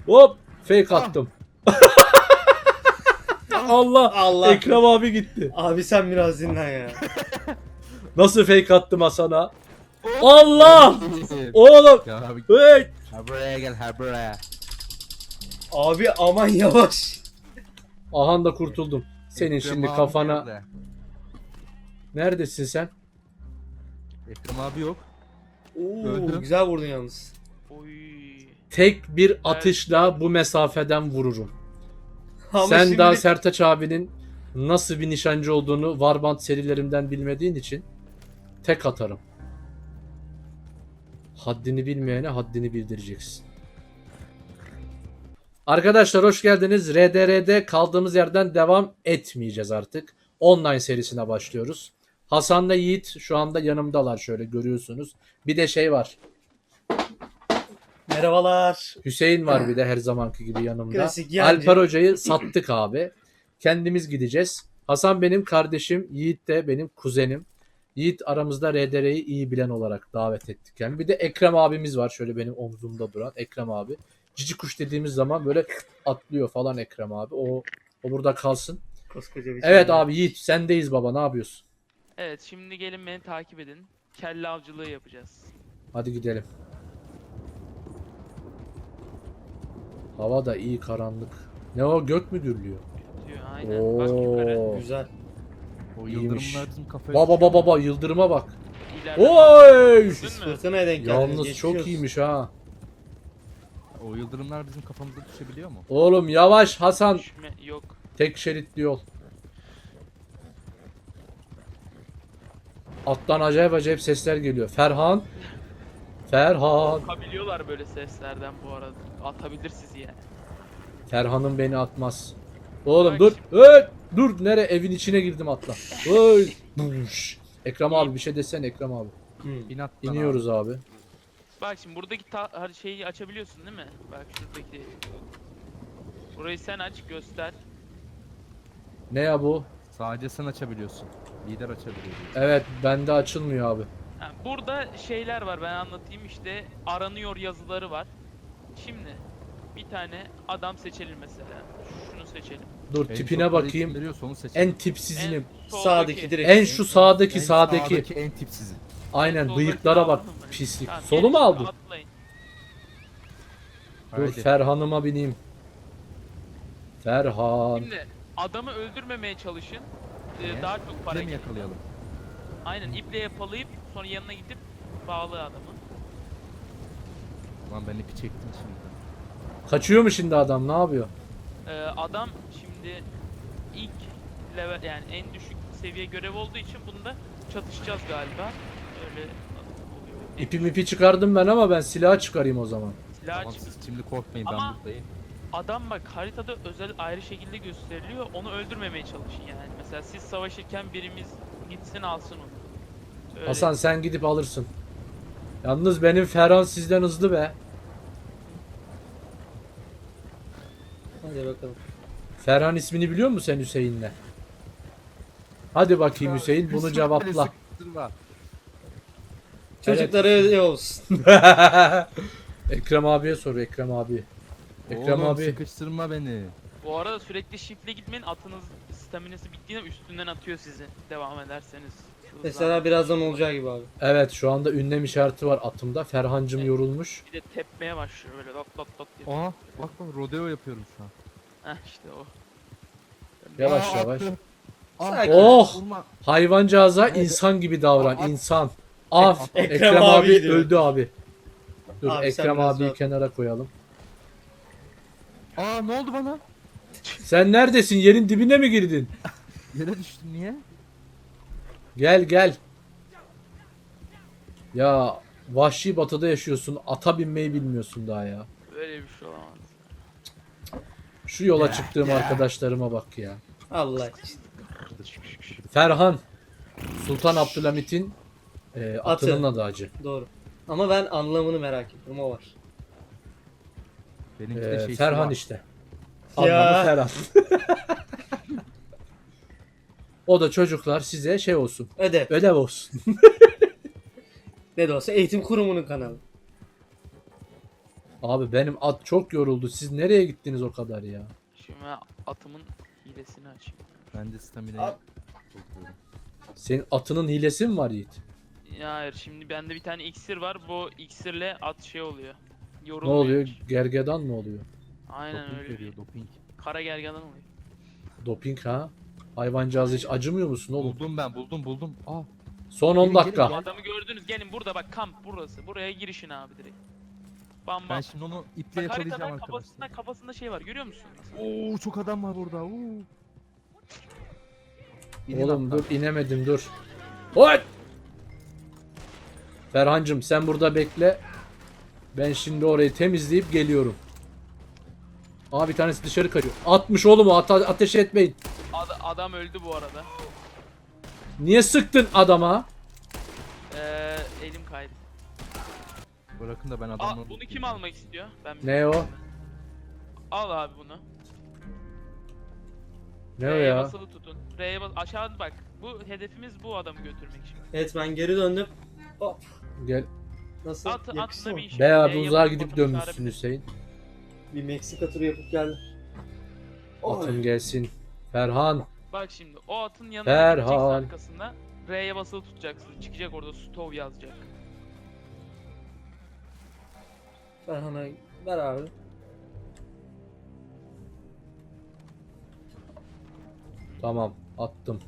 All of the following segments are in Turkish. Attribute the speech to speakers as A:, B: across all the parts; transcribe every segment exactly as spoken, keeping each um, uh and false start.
A: Hop fake attım. Allah,
B: Allah.
A: Ekrem abi gitti.
B: Abi sen biraz dinlen ya.
A: Nasıl fake attım Hasan'a? Allah! Oğlum!
C: Ya abi,
A: Hey!
C: ha buraya gel, ha buraya.
B: Abi aman yavaş.
A: Ahan da kurtuldum. Senin
C: Ekrem
A: şimdi
C: abi
A: kafana...
C: nerede?
A: Neredesin sen?
C: Ekrem abi yok.
B: Oo,
C: Öldü.
B: güzel vurdun yalnız.
D: Oy.
A: Tek bir atışla bu mesafeden vururum.
B: Ama
A: Sen
B: şimdi-
A: daha Sertaç abinin nasıl bir nişancı olduğunu Warband serilerimden bilmediğin için tek atarım. Haddini bilmeyene haddini bildireceksin. Arkadaşlar hoş geldiniz. R D R'de kaldığımız yerden devam etmeyeceğiz artık. Online serisine başlıyoruz. Hasan'la Yiğit şu anda yanımdalar, şöyle görüyorsunuz. Bir de şey var.
B: Merhabalar.
A: Hüseyin var bir de her zamanki gibi yanımda.
B: Klasik yancı.
A: Alper Hoca'yı sattık abi. Kendimiz gideceğiz. Hasan benim kardeşim, Yiğit de benim kuzenim. Yiğit aramızda R D R'yi iyi bilen olarak davet ettik. Yani bir de Ekrem abimiz var, şöyle benim omzumda duran Ekrem abi. Cici kuş dediğimiz zaman böyle atlıyor falan Ekrem abi. O o burada kalsın.
B: Koskoca bir
A: Evet
B: şey.
A: abi Yiğit sendeyiz baba, ne yapıyorsun?
D: Evet, şimdi gelin beni takip edin. Kelle avcılığı yapacağız.
A: Hadi gidelim. Hava da iyi karanlık. Ne o, gök mü dürlüyor?
D: Diyor aynen. Bak yukarı.
A: Oo.
B: Güzel.
C: O
A: İyiymiş.
C: yıldırımlar bizim kafaya
A: Baba
C: düşüyor
A: baba
C: mu?
A: baba yıldırıma bak.
D: İleride.
A: Oy!
B: Siz
D: Gördün mü?
B: fırtınaya denk geldiniz.
A: Yalnız
B: geçmiş
A: çok
B: olsun.
A: iyiymiş ha.
C: O yıldırımlar bizim kafamıza düşebiliyor mu?
A: Oğlum yavaş Hasan.
D: Düşme yok.
A: Tek şeritli yol. Alttan acayip acayip sesler geliyor. Ferhan. Ferhan.
D: Atabiliyorlar böyle seslerden bu arada. Atabilir sizi yani.
A: Ferhan'ım beni atmaz. Oğlum
D: Bak
A: dur.
D: şimdi.
A: Hey! Dur, nere? Evin içine girdim atla. Hey! Buş. Ekrem abi bir şey desene Ekrem abi.
B: Hı.
C: Bin at lan abi.
A: İniyoruz abi.
D: Bak şimdi buradaki ta- her şeyi açabiliyorsun değil mi? Bak şuradaki. Burayı sen aç göster.
A: Ne ya bu?
C: Sadece sen açabiliyorsun. Lider açabiliyor. diyor.
A: Evet, bende açılmıyor abi.
D: Ha, burada şeyler var, ben anlatayım işte. Aranıyor yazıları var. Şimdi bir tane adam seçelim mesela. Şunu seçelim.
A: Dur
C: En
A: tipine
C: çok parayı
A: bakayım.
C: kim veriyorsa onu seçelim.
A: En tipsizinim.
D: soldaki-
B: Sağdaki direkt.
A: En şu sağdaki
C: En
A: sağdaki.
C: en tipsizi.
A: Aynen,
D: soldaki
A: bıyıklara bak.
D: aldın mı?
A: Pislik.
D: Tamam,
A: Solu
D: gelin
A: mu
D: şimdi
A: aldın?
D: atlayın.
A: Dur
C: Haydi.
A: Ferhan'ıma bineyim. Ferhan.
D: Şimdi adamı öldürmemeye çalışın. Ee,
C: Niye?
D: daha çok para
C: Bize mi
D: gelir.
C: yakalayalım?
D: Aynen, iple yakalayıp sonra yanına gidip bağlı adamı.
C: Lan ben ipi çektim şimdi.
A: Kaçıyor mu şimdi adam, ne yapıyor?
D: Ee, adam şimdi ilk level, yani en düşük seviye görev olduğu için bunda çatışacağız galiba. Öyle oluyor. En
A: İpi
D: düşük
A: mipi çıkardım ben ama ben silah çıkarayım o zaman.
D: silah
C: Tamam
D: çık-
C: siz şimdi korkmayın
D: Ama-
C: ben buradayım.
D: Adam bak haritada özel ayrı şekilde gösteriliyor. Onu öldürmemeye çalışın yani. Mesela siz savaşırken birimiz gitsin alsın onu. Öyle.
A: Hasan sen gidip alırsın. Yalnız benim Ferhan sizden hızlı be.
B: Hadi bakalım.
A: Ferhan ismini biliyor musun sen Hüseyin'le? Hadi bakayım Hüseyin, bunu cevapla.
C: Sıkıştırma.
B: Çocuklara öyle olsun.
A: Ekrem abiye sor, Ekrem abi. Ekrem
C: Oğlum,
A: abi.
C: sıkıştırma beni.
D: Bu arada sürekli shift'le gitmeyin. Atınız staminası bittiğinde üstünden atıyor sizi. Devam ederseniz.
B: Mesela birazdan olacağı gibi abi.
A: Evet, şu anda ünlem işareti var atımda. Ferhancım
D: Evet.
A: yorulmuş.
D: Bir de tepmeye başlıyor böyle lat lat lat diye.
C: Aha bak bak rodeo yapıyorum şu an.
D: Heh işte o.
A: Yavaş
C: Aa,
A: yavaş.
C: attı. Ah,
B: Sakin.
A: Oh!
C: vurma.
A: Hayvancağıza insan gibi davran.
C: Aa,
A: insan. Af.
B: Ekrem
A: Ekrem,
B: abi
A: abi
B: diyor.
A: öldü abi. Dur
B: Abi sen
A: Ekrem
B: biraz
A: abiyi
B: rahat-
A: kenara koyalım.
C: Aa ne oldu bana?
A: Sen neredesin? Yerin dibine mi girdin?
C: Yere düştüm niye?
A: Gel gel. Ya vahşi batıda yaşıyorsun. Ata binmeyi bilmiyorsun daha ya.
D: Böyle bir şey olamaz.
A: Şu yola çıktığım arkadaşlarıma bak ya.
B: Allah için.
A: Ferhan. Sultan Abdülhamit'in e, atının
B: Atı.
A: adı acı.
B: Doğru. Ama ben anlamını merak ettim, o var.
C: Benimki de
A: E,
C: şey
A: Ferhan
C: var.
A: işte.
B: Ya.
A: Anlamı Ferhan. O da çocuklar size şey olsun.
B: Ödev.
A: Ödev olsun.
B: Ne de olsa eğitim kurumunun kanalı.
A: Abi benim at çok yoruldu. Siz nereye gittiniz o kadar ya?
D: Şimdi ben atımın hilesini açayım.
C: Ben de stamina'yı
B: Abi-
C: topluyorum.
A: Senin atının hilesi mi var Yiğit?
D: Ya hayır, şimdi bende bir tane iksir var. Bu iksirle at şey oluyor.
A: Ne
D: Yorulmuyor
A: oluyor?
D: hiç.
A: Gergedan mı oluyor?
D: Aynen
C: Doping
D: öyle.
C: veriyor doping.
D: Kara gergedan oluyor.
A: Doping ha? Hayvancağız hiç acımıyor musun oğlum?
C: Buldum ben buldum buldum. Aa
A: Son on
C: Gelin,
A: dakika.
C: gelin,
D: Adamı gördünüz, gelin burada bak, kamp burası. Buraya girişin abi direkt. Bam bam.
C: ben şimdi onu iple
D: Bak
C: yakalayacağım
D: haritadan
C: arkadaşlar.
D: kafasında kafasında şey var, görüyor musun?
C: Oo çok adam var burada. Oo. İnin
A: Oğlum
C: atlar.
A: dur inemedim dur. Oy! Ferhancım sen burada bekle. Ben şimdi orayı temizleyip geliyorum. Aa bir tanesi dışarı kaçıyor. Atmış oğlum o ate- ateş etmeyin.
D: Ad- adam öldü bu arada.
A: Niye sıktın adama?
D: Ee, elim kaydı.
C: Bırakın da ben
D: Aa,
C: adamları...
D: bunu kim almak istiyor? Ben
A: Ne o?
D: Al abi bunu.
A: Ne o
D: R'ye
A: ya?
D: basılı tutun. R'ye bas, aşağı bak. Bu hedefimiz bu adamı götürmek şimdi.
B: Evet ben geri döndüm. Hop.
A: Gel.
B: Nasıl?
D: At,
B: Yakıştı
D: atla
B: mı?
D: bir iş.
A: Be abi
D: R'ye
A: uzağa
D: basılı
A: gidip
D: tutup
A: dönmüşsün
D: çağırabilir.
A: Hüseyin.
B: Bir Meksika turu yapıp geldim. Oy.
A: Atın gelsin. Ferhan.
D: Bak şimdi o atın yanına
A: Ferhan.
D: gideceksin arkasında. R'ye basılı tutacaksın. Çıkacak orada stove yazacak.
B: Ferhan'a ver abi.
A: Tamam attım.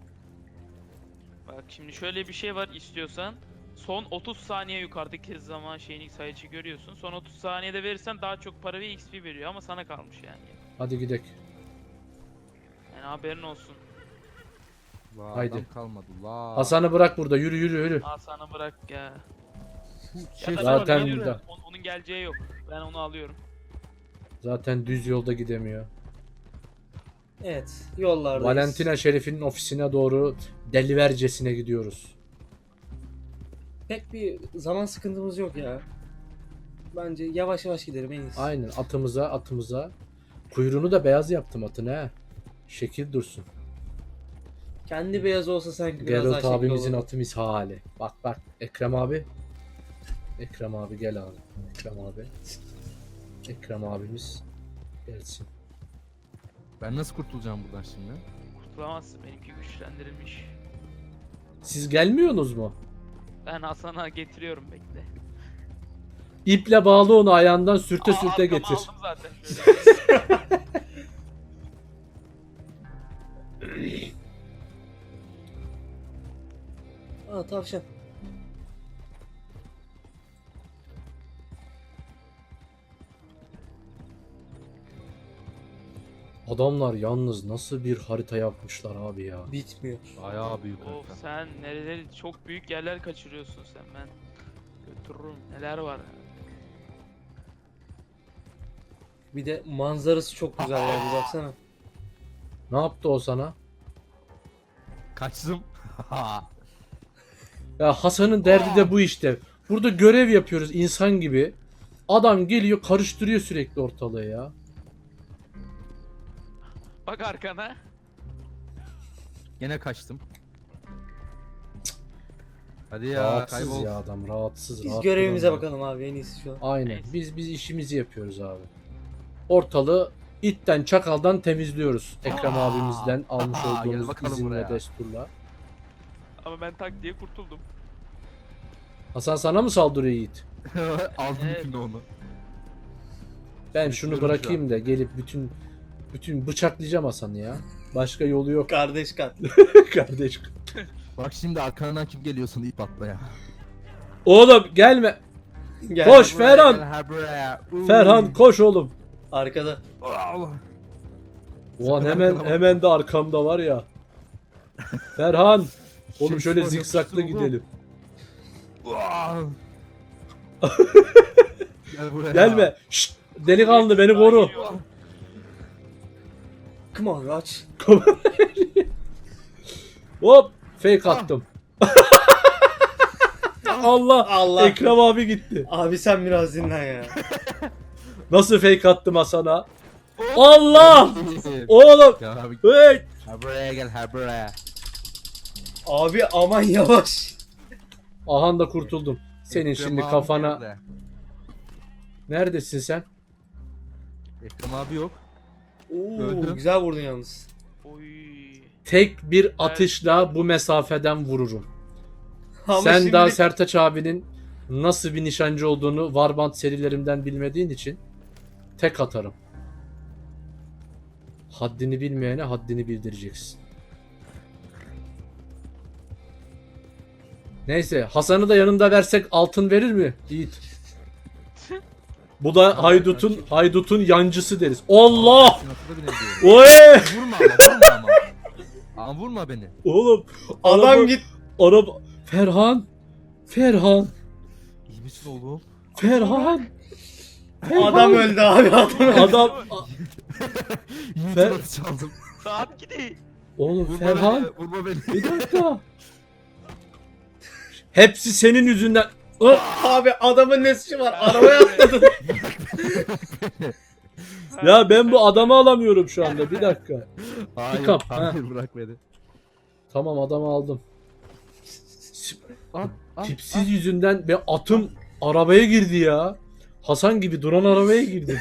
D: Bak şimdi şöyle bir şey var istiyorsan. Son otuz saniye yukarıdaki zaman şeyini sayıcı görüyorsun. Son otuz saniyede verirsen daha çok para ve X P veriyor ama sana kalmış yani.
A: Hadi gidek.
D: Yani haberin olsun.
C: La,
A: Haydi.
C: adam kalmadı la.
A: Hasan'ı bırak burada yürü yürü yürü.
D: Aa sana bırak ya.
C: Şey,
D: Ya da
A: zaten
D: ben geliyorum.
A: burada.
D: Onun, onun geleceği yok. Ben onu alıyorum.
A: Zaten düz yolda gidemiyor.
B: Evet yollardayız.
A: Valentina Şerif'in ofisine doğru delivercesine gidiyoruz.
B: Pek bir zaman sıkıntımız yok ya. Bence yavaş yavaş gidelim en iyisi.
A: Aynen atımıza atımıza. Kuyruğunu da beyaz yaptım atın he. Şekil dursun.
B: Kendi beyaz olsa sanki biraz daha
A: Geralt
B: şekil
A: abimizin
B: olurdu.
A: atı misali. Bak bak Ekrem abi. Ekrem abi gel abi. Ekrem abi. Ekrem abimiz gelsin.
C: Ben nasıl kurtulacağım buradan şimdi?
D: Kurtulamazsın, benimki güçlendirilmiş.
A: Siz gelmiyorsunuz mu?
D: Ben Hasan'a getiriyorum, bekle.
A: İple bağlı onu ayağından sürte
D: Aa,
A: sürte
D: arkama
A: getir.
D: aldım zaten şöyle.
B: Aa tavşan.
A: Adamlar yalnız nasıl bir harita yapmışlar abi ya.
B: Bitmiyor.
C: Bayağı büyük
D: Of
C: harita.
D: sen nereleri çok büyük yerler kaçırıyorsun sen, ben götürürüm, neler var.
B: Bir de manzarası çok güzel ya bir baksana.
A: Ne yaptı o sana?
C: Kaçtım.
A: Ya Hasan'ın derdi de bu işte. Burada görev yapıyoruz insan gibi. Adam geliyor karıştırıyor sürekli ortalığı ya.
D: Bak arkana.
C: Gene kaçtım. Hadi ya
A: Rahatsız
C: kaybol.
A: ya adam rahatsız.
B: Biz
A: rahat
B: görevimize
A: duramıyor.
B: bakalım abi en iyisi şu an.
A: Aynen.
D: Neyse.
A: Biz biz işimizi yapıyoruz abi. Ortalığı itten çakaldan temizliyoruz. Ekrem
C: Aa,
A: abimizden almış
C: aa, gel
A: olduğumuz
C: bakalım
A: izin ve
C: buraya.
A: desturla.
D: Ama ben tak diye kurtuldum.
A: Hasan sana mı saldırıyor Yiğit?
C: Aldım
D: Evet.
C: şimdi onu.
A: Ben
C: Sürüklüyorum
A: şunu
C: şu
A: bırakayım da gelip bütün bütün bıçaklayacağım Hasan'ı ya. Başka yolu yok
B: Kardeş katli.
A: kardeş.
C: Bak şimdi arkandan kim geliyorsun ip atla ya.
A: Oğlum gelme.
B: Gel.
A: Koş
C: Buraya
A: Ferhan.
C: gel, ha buraya. Uy.
A: Ferhan koş oğlum.
B: Arkada.
C: Allah.
A: Ulan
C: Sakın
A: hemen
C: arkana bak.
A: hemen de arkamda var ya. Ferhan. Oğlum
C: Şey,
A: şöyle
C: şu
A: zikzaklı
C: yapıştır oğlum.
A: gidelim.
C: Uaa. Gel buraya.
A: Gelme. Şşt, delikanlı beni koru.
B: Come on aç.
A: Hop fake attım. Allah.
B: Allah.
A: Ekrem abi gitti.
B: Abi sen biraz dinlen ya.
A: Nasıl fake attım Hasan'a? Allah. Oğlum.
C: Gel abi.
A: Hey.
C: Ha buraya gel ha buraya.
B: Abi aman yavaş.
A: Ahan da kurtuldum. Senin
C: Ekrem
A: şimdi
C: abi
A: kafana
C: nerede?
A: Neredesin sen?
C: Ekrem abi yok.
B: Oo,
C: Öldüm.
B: güzel vurdun yalnız.
D: Oy.
A: Tek bir atışla bu mesafeden vururum.
B: Ama
A: Sen
B: şimdilik-
A: daha Sertaç abinin nasıl bir nişancı olduğunu Warband serilerimden bilmediğin için tek atarım. Haddini bilmeyene haddini bildireceksin. Neyse, Hasan'ı da yanında versek altın verir mi? Yiğit. Bu da haydutun haydutun yancısı deriz. Allah!
C: Sinatı da binebiliyorum.
A: Oy!
C: Vurma ama vurma ama. Ama vurma beni.
A: Oğlum
B: Adam
A: araba,
B: git.
A: araba Ferhan. Ferhan.
C: İyi misin oğlum?
A: Ferhan.
B: Adam öldü abi adam öldü.
A: Adam
C: Yiğit'in
A: Fer-
C: atı çaldım.
D: Saat gidiyor.
A: oğlum
C: Vurma
A: Ferhan.
C: beni. Vurma beni.
A: Bir dakika. Hepsi senin yüzünden. Ah!
B: Abi adamın ne suçu var? Arabaya atladın.
A: Ya ben bu adamı alamıyorum şu anda. Bir dakika.
C: Hayır,
A: Pick up,
C: hayır bırak beni.
A: Tamam, adamı aldım.
C: Ah, ah,
A: Tipsiz yüzünden ve atım arabaya girdi ya. Hasan gibi duran arabaya girdi.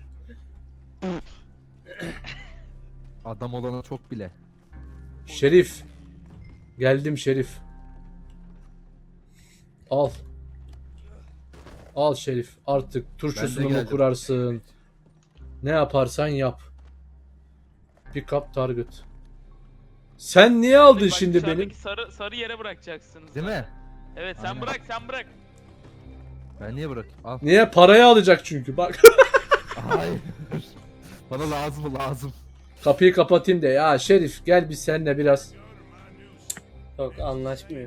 C: ah. Adam olana çok bile.
A: Şerif. Geldim Şerif. Al. Al Şerif. Artık
C: Ben
A: turşusunu
C: de
A: mu
C: geldim.
A: kurarsın? Ne yaparsan yap. Pick up target. Sen niye aldın
D: Bak,
A: şimdi
D: dışarıdaki
A: benim?
D: Sarı, sarı yere bırakacaksınız.
C: Değil mi?
D: Evet sen
C: Aynen.
D: bırak sen bırak.
C: Ben niye bırakayım? Al.
A: Niye? Parayı alacak çünkü. Bak.
C: Hayır. Bana lazım lazım.
A: Kapıyı kapatayım de. Ya Şerif gel biz seninle biraz.
B: Yok anlaşmıyor.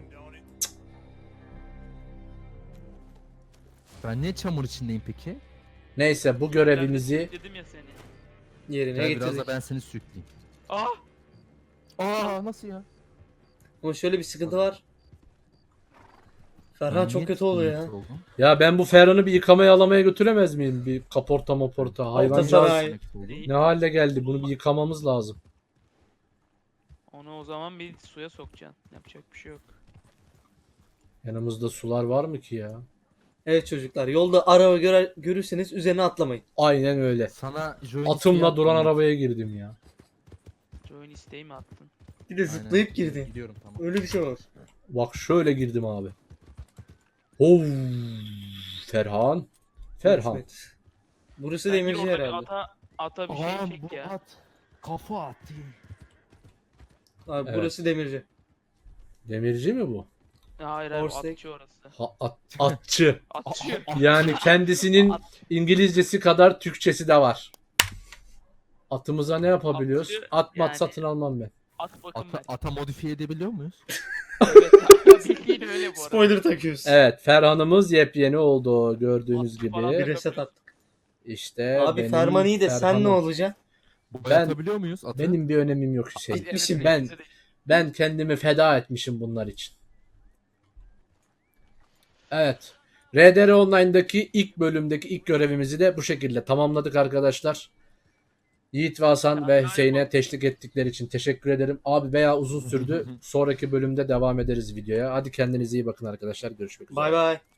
C: Ben niye çamur içindeyim peki?
A: Neyse bu görevimizi
D: Dedim ya seni.
B: Yerine
C: Gel biraz
B: getirdik.
C: da ben seni sürükleyeyim.
D: Ah.
C: Aa nasıl ya?
B: Ama şöyle bir sıkıntı var. Ferhan
C: Ben
B: çok
C: niye
B: kötü oluyor ya.
C: tutukluyum oldum?
A: ya ben bu Ferhan'ı bir yıkamaya alamaya götüremez miyim? Bir kaporta moporta hayvancağız
B: sanayi.
C: Tutukluyum.
A: ne hale geldi? Bunu bir yıkamamız lazım.
D: Onu o zaman bir suya sokacaksın. Yapacak bir şey yok.
A: Yanımızda sular var mı ki ya?
B: Evet çocuklar yolda araba görer, görürseniz üzerine atlamayın.
A: Aynen öyle.
C: Sana join
A: Atımla
C: isteği
A: duran
C: attım.
A: arabaya girdim ya.
D: Join isteği mi attın?
B: Bir de
C: Aynen.
B: zıplayıp girdi.
C: Gidiyorum tamam.
B: Öyle bir şey var.
A: Bak şöyle girdim abi. Oo, Ferhan. Ferhan.
B: Evet. Burası
D: Bence
B: demirci
D: orada bir
B: herhalde.
D: Ata, ata bir şey
C: Aa
D: çek
C: bu
D: ya.
C: at. Kafa at.
B: Abi
A: Evet.
B: burası demirci.
A: Demirci mi bu?
D: Hayır hayır
B: Horse
D: atçı orası.
A: Ha, at- atçı.
D: Atçı.
A: Yani kendisinin İngilizcesi kadar Türkçesi de var. Atımıza ne yapabiliyoruz?
D: Atçı
A: At mat
D: yani-
A: satın almam ben.
D: At bakın
C: Ata,
D: ben.
C: ata modifiye edebiliyor muyuz?
D: Evet ata bildiğin öyle bu arada.
B: Spoiler takıyoruz.
A: Evet, Ferhan'ımız yepyeni oldu gördüğünüz
D: At falan
A: gibi.
B: Bir reset attık.
A: İşte
B: Abi
A: benim
B: Ferman iyi de sen
A: Ferhan'ım.
B: ne olacaksın?
C: Boyatabiliyor muyuz atı?
A: Benim bir önemim yok Hüseyin.
D: Evet,
B: Gitmişim
D: evet,
A: ben.
D: evet, evet.
A: Ben kendimi feda etmişim bunlar için. Evet. R D R Online'daki ilk bölümdeki ilk görevimizi de bu şekilde tamamladık arkadaşlar. Yiğit ve Hasan ve Hüseyin'e teşvik ettikleri için teşekkür ederim. Abi veya uzun sürdü. Sonraki bölümde devam ederiz videoya. Hadi kendinize iyi bakın arkadaşlar. Görüşmek üzere.
B: Bay bay.